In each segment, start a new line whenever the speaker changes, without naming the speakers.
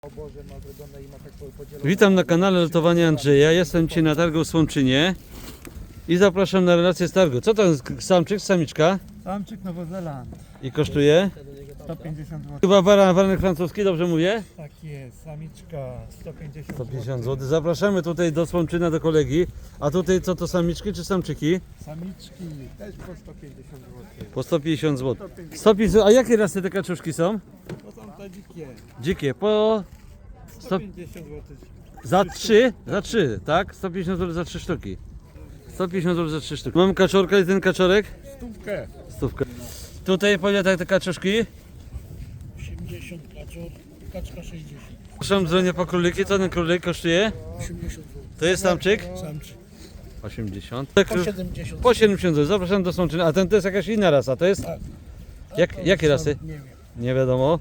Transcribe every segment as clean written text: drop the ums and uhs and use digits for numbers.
Witam na kanale Lotowania Andrzeja. Jestem dzisiaj na targu w Słomczynie i zapraszam na relację z targu. Co to jest samczyk, samiczka?
Samczyk Nowozeland,
I kosztuje?
150 zł.
Chyba baranek francuski, dobrze mówię?
Tak jest, samiczka 150
150 zł. Zapraszamy tutaj do Słomczyna, do kolegi. A tutaj co to, samiczki czy samczyki?
Samiczki też po 150 zł.
Po 150 zł. 150. A jakie rasy te kaczuszki są?
To są te dzikie,
Dzikie. Po
150 zł.
za 3, tak? 150 zł za 3 sztuki. 150 zł za 3 sztuki. Mam kaczorka i ten kaczorek?
Stówkę.
Stówkę. Tutaj po ile te kaczuszki?
80 kaczor, kaczka 60.
Proszę dzwonię po króliki. Co ten królik kosztuje?
80 zł.
To jest samczyk?
Samczyk.
80.
Po 70
Po 70 zł. Zapraszam do Słomczyna. A ten to jest jakaś inna rasa, to jest?
Tak.
Jakie rasy?
Nie wiem.
Nie wiadomo.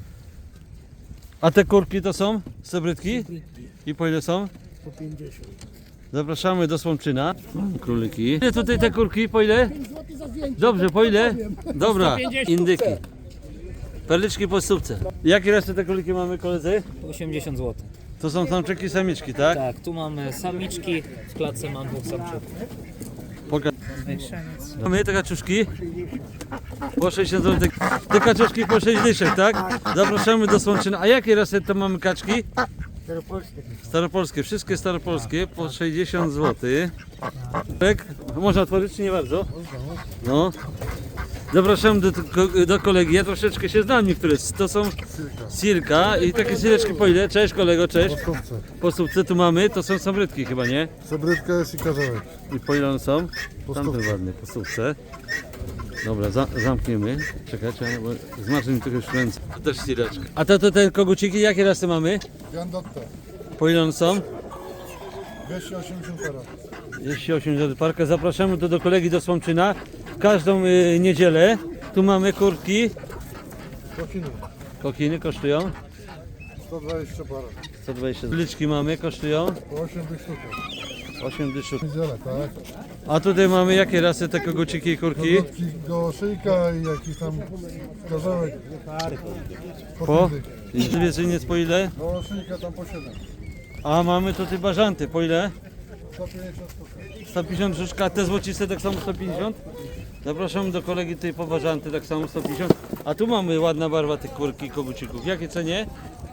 A te kurki to są? Sybrydki?
Brytki
I po ile są?
po 50.
Zapraszamy do Słomczyna. Króliki. Ile tutaj te kurki? Po ile?
5 zł za zdjęcie.
Dobrze, po ile? Dobra,
150
indyki. Perliczki po stówce. Jakie rasy te króliki mamy, koledzy?
80 zł.
To są samczyki i samiczki, tak?
Tak, tu mamy samiczki, w klatce mam dwóch samczyków.
Mamy te kaczuszki po 60 zł. Te kaczuszki po 6 dyszek, tak? Zapraszamy do Słomczyna. A jakie rasy to mamy kaczki? Staropolskie, wszystkie staropolskie po 60 zł. Można otworzyć czy nie bardzo? No. Zapraszam do kolegi. Ja troszeczkę się znam niektóre. To są silka i takie sileczki po ile? Cześć kolego, cześć. Po stówce tu mamy, to są sabrydki chyba, nie?
Sabrydka jest i karzełek.
I po ile one są?
Po
Tamten
stówce.
ładny, po stówce. Dobra, zamkniemy. Czekajcie, bo zmarzły mi trochę już ręce. To też sileczka. A to te koguciki, jakie rasy mamy?
Gandotta.
Po ile one są?
280 karat.
Jeśli 80 parkę, zapraszamy tu do kolegi do Słomczyna w każdą niedzielę. Tu mamy kurki.
Kokiny.
Kokiny kosztują
120 para.
120. Liczki mamy, kosztują
Po 8 tych sztuk.
8 dyszek.
Niedziela, tak?
A tutaj mamy jakie rasy te koguciki i kurki?
Kotki do szyjka i jakiś tam karzełek.
Po?
pięć dych.
I zwierzyniec po ile?
Do szyjka tam po 7.
A mamy tutaj bażanty, po ile?
150 sztuk.
150 brzuszka, a te złociste tak samo 150? Zapraszamy do kolegi tutaj po bażanty, tak samo 150. A tu mamy ładna barwa tych kurki i kogucików. Jakie cenie?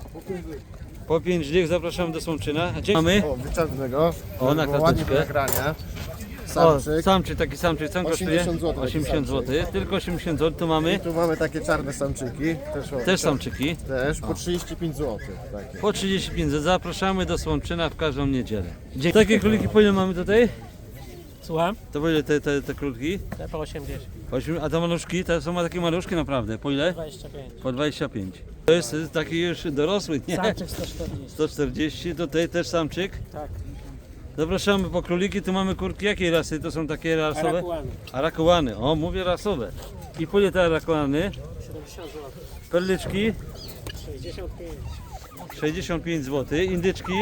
Po 5 dych, zapraszamy do Słomczyna. A mamy?
O, wyczerpnego.
O, na
ładnie
klateczkę.
nagrania.
O,
Samczyk.
samczyk, taki samczyk, co on kosztuje?
80 zł.
80 zł, tylko 80 zł, tu mamy
Tu mamy takie czarne samczyki.
też samczyki.
Też po 35 zł. Takie.
Po 35 zł, zapraszamy do Słomczyna w każdą niedzielę. Dzięki. Takie króliki po ile mamy tutaj?
Słucham?
To po ile te króliki?
Te po 80.
A te maluszki, to są takie maluszki naprawdę, po ile?
25.
Po 25. To jest taki już dorosły, nie?
Samczyk 140.
140, tutaj też samczyk.
Tak.
Zapraszamy po króliki, tu mamy kurki. Jakiej rasy? To są takie rasowe?
Arakuany.
Arakuany. O, mówię rasowe. I po ile te arakuany?
70 zł.
Perliczki?
65.
65 zł. Indyczki?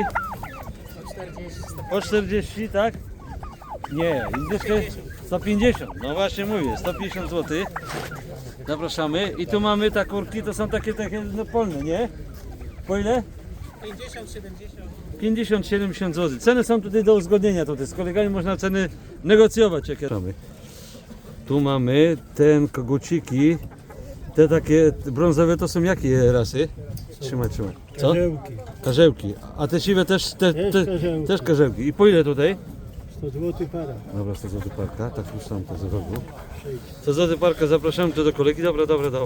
40.
Po 40, tak? Nie, indyczkę 150. No właśnie mówię, 150 zł. Zapraszamy. I tu mamy te kurki, to są takie no, polne, nie? Po ile?
50, 70.
50-70 zł. Ceny są tutaj do uzgodnienia. Tutaj z kolegami można ceny negocjować. Jakie mamy. Tu mamy ten koguciki. Te takie brązowe to są jakie rasy? Trzymaj. Co?
Karzełki.
Karzełki. A te siwe też,
karzełki.
też karzełki. I po ile tutaj?
100 zł para.
Dobra, 100 zł parka. Tak już tam to z rogu. 100 zł parka, zapraszamy tu do kolegi. Dobra.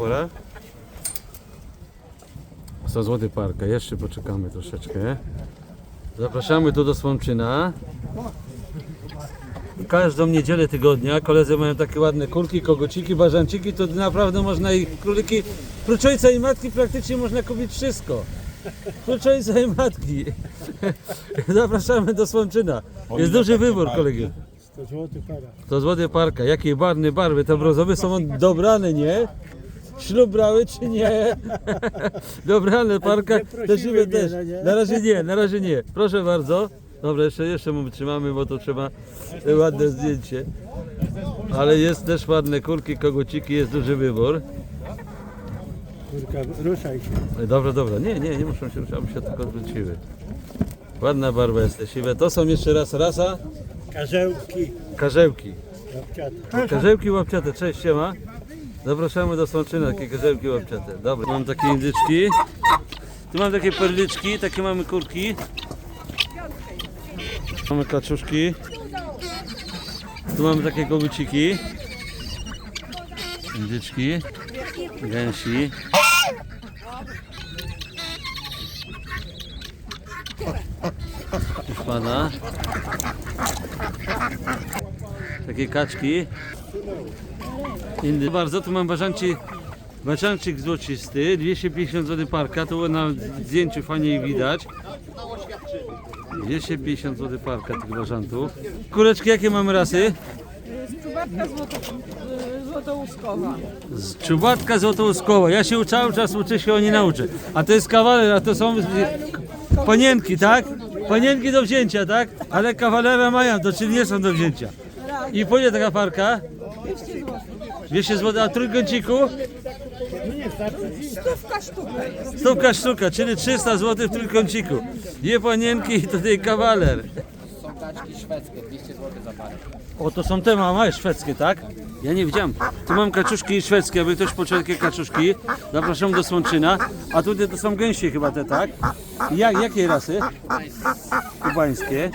100 zł parka. Jeszcze poczekamy troszeczkę. Zapraszamy tu do Słomczyna. Każdą niedzielę tygodnia koledzy mają takie ładne kurki, koguciki, bażanciki, to naprawdę można i króliki, prócz ojca i matki praktycznie można kupić wszystko. Prócz ojca i matki. Zapraszamy do Słomczyna. Jest duży wybór, kolegi.
100 zł para.
100 zł parka. Jakie barwy? Te brązowe są dobrane, nie? Ślub brały czy nie? Dobrane parka. Te siwe też. Na razie nie. Proszę bardzo. Dobra, jeszcze mu trzymamy, bo to trzeba ładne zdjęcie. Ale jest też ładne kurki, koguciki, jest duży wybór.
Kurka, ruszaj się.
Dobra, dobra. Nie muszą się ruszać, aby się tylko odwróciły. Ładna barwa jest te siwe. To są jeszcze raz rasa
Karzełki.
karzełki.
Babciate.
Karzełki łapciate, cześć, siema. Zapraszamy do Słomczyna, takie karzełki łapciate. Dobra, mam takie indyczki. Tu mam takie perliczki, takie mamy kurki. Mamy kaczuszki. Tu mamy takie koguciki. Indyczki. Gęsi. Pana. Takie kaczki. Indy. Bardzo, tu mam bażancik złocisty, 250 zł parka, to na zdjęciu fajnie ich widać. 250 zł parka tych bażantów. Kureczki jakie mamy rasy?
Złotouskowa.
Czubatka złotouskowa. Ja się cały czas uczę się, nie nauczę. A to jest kawaler, a to są panienki, tak? Panienki do wzięcia, tak? Ale kawalera mają, to czyli nie są do wzięcia. I po ile taka parka?
200 zł.
200 zł, a trójkąciku?
Stówka sztuka.
Stówka sztuka, czyli 300 zł w trójkąciku. Dwie panienki i tutaj kawaler.
Są kaczki szwedzkie, 200 zł za parę.
O, to są te małe szwedzkie, tak? Ja nie widziałem. Tu mam kaczuszki szwedzkie, aby ktoś poczuł takie kaczuszki. Zapraszam do Słomczyna. A tutaj to są gęsi chyba te, tak? I jakiej rasy? Kubańskie.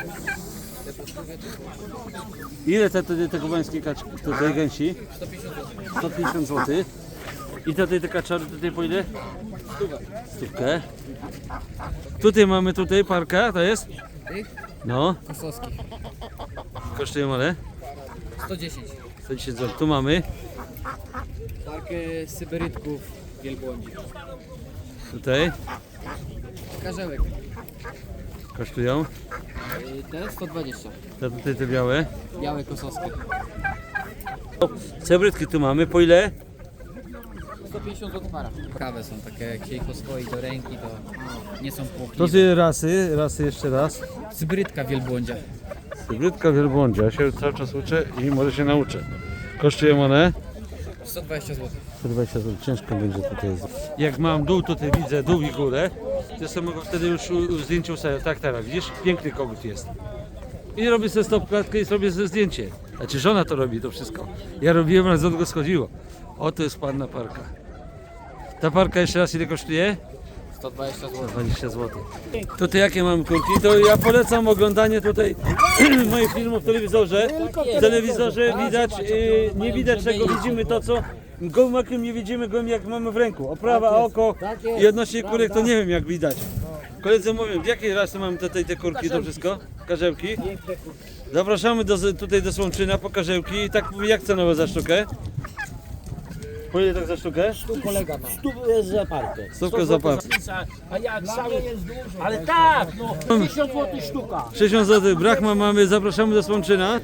Ile te kubańskie kaczki, tutaj gęsi? 150 zł. I tutaj te kaczory, tutaj po ile? Stówkę. Tutaj mamy parka, to jest? No.
Kosowskich.
Kosztują ale?
110.
110 zł. Tu mamy.
Parkę syberytków wielbłądzi.
Tutaj.
Karzełek.
Kosztują.
Te 120.
Tutaj te białe.
Białe kosowskie.
Cebrytki tu mamy. Po ile?
150 zł para. Prawe są takie, jak się ich oswoi do ręki, to nie są
To
płochliwe.
są rasy jeszcze raz.
Syberytka wielbłądzia.
Hybrydzka wielbłądzia. Ja się cały czas uczę i może się nauczę. Kosztują one?
120 zł.
120 zł. Ciężko będzie tutaj. Jak mam dół, tutaj widzę dół i górę. To sobie mogę wtedy już zdjęcie ustawiać. Tak teraz, widzisz? Piękny kogut jest. I robię sobie stopklatkę i zrobię sobie zdjęcie. Znaczy żona to robi to wszystko. Ja robiłem, ale z go schodziło. Oto jest panna parka. Ta parka jeszcze raz ile kosztuje?
120 zł.
20 zł. Tutaj jakie mam kurki? To ja polecam oglądanie tutaj moich filmów w telewizorze. W telewizorze widać, nie widać czego, widzimy to co gołym okiem nie widzimy, gołym jak mamy w ręku. Oprawa, oko i odnośnie kurek to nie wiem jak widać. Koledzy mówią, w jakiej rasy mamy tutaj te kurki, to wszystko? Karzełki. Zapraszamy tutaj do Słomczyna po karzełki. I tak jak cenowe za sztukę? Po ile tak za sztukę?
Kolega ma.
Stówkę za parkę.
Stówkę za parkę.
A jak cały jest dużo. Ale tak, no. 50 zł sztuka.
60 zł, Brachma mamy, zapraszamy do Słomczyna.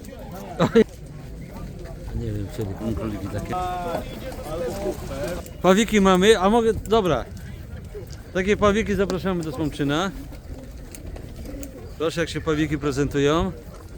Nie wiem, czyli króliki takie. Pawiki mamy, a mogę, dobra. Takie pawiki zapraszamy do Słomczyna. Proszę jak się pawiki prezentują.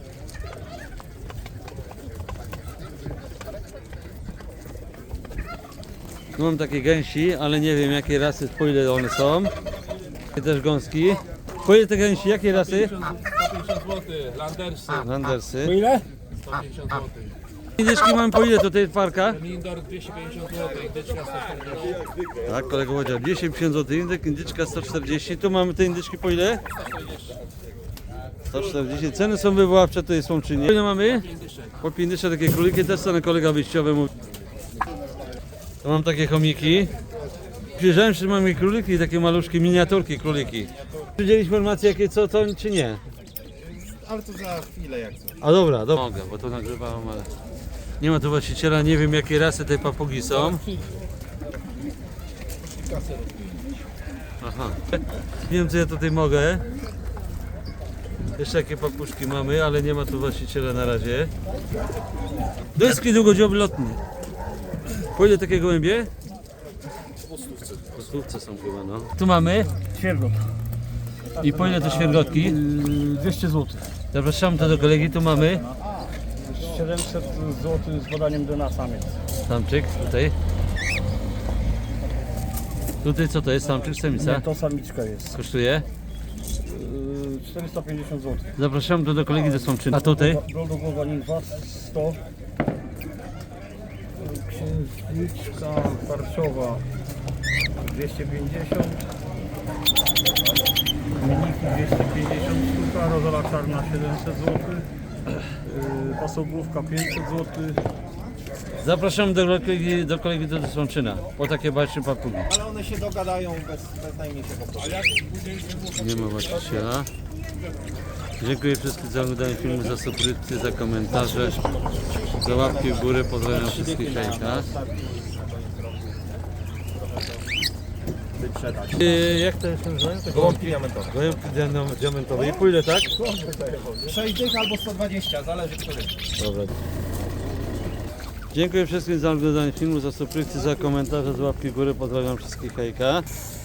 Tu mam takie gęsi, ale nie wiem jakie rasy, po ile one są. I też gąski. Po ile te gęsi, jakie rasy?
150 zł, Landersy
Landersy.
Po ile?
150 zł,
Indyczki mam po ile tutaj parka?
Lindor 250 zł, Dyczka 140.
Tak, kolega powiedział 250 zł, indyczka 140. Tu mamy te indyczki po ile? 140. Ceny są wywoławcze, to jest Słomczynie. Po ile mamy? Po 50 takie króliki, też są kolega wyjściowy mówi. Tu mam takie chomiki. Przyjrzałem się, mamy króliki, takie maluszki, miniaturki króliki. Widzieli informacje jakie co, czy nie?
Ale to za chwilę jak coś.
A dobra, mogę, bo to nagrywałem, ale nie ma tu właściciela, nie wiem jakie rasy tej papugi są. Aha. Nie wiem co ja tutaj mogę. Jeszcze jakie papuszki mamy, ale nie ma tu właściciela na razie. Deski długodziobylotny. Po ile takie gołębie? Po stówce są chyba, no. Tu mamy.
Świergot.
I po ile to świergotki?
200 zł.
Zapraszam to do kolegi, tu mamy.
700 zł z podaniem do nas samiec.
Samczyk tutaj. Tutaj co to jest? Samczyk, samica?
To samiczka jest.
Kosztuje?
450 zł.
Zapraszam do kolegi ze Słomczyny. A tutaj?
Goldogowa nimfa 100. Księżniczka parczowa 250. Miniki 250 sztuka, rozola czarna 700 zł. Pasołówka 500 zł.
Zapraszam do kolegi do Słomczyna. Po takie baczne papugi.
Ale one się dogadają bez najmniejszego problemu.
Nie ma właściciela. Dziękuję wszystkim za oglądanie filmu, za subskrypcję, za komentarze, za łapki w górę. Pozdrawiam wszystkich hejka. Jak to się nazywa?
Gołąbki diamentowe.
Gołąbki diamentowe. I pójdę, tak?
6 dych albo 120, zależy który.
Dobra. Dziękuję wszystkim za oglądanie filmu, za subskrypcję, za komentarze, za łapki w górę. Pozdrawiam wszystkich hejka.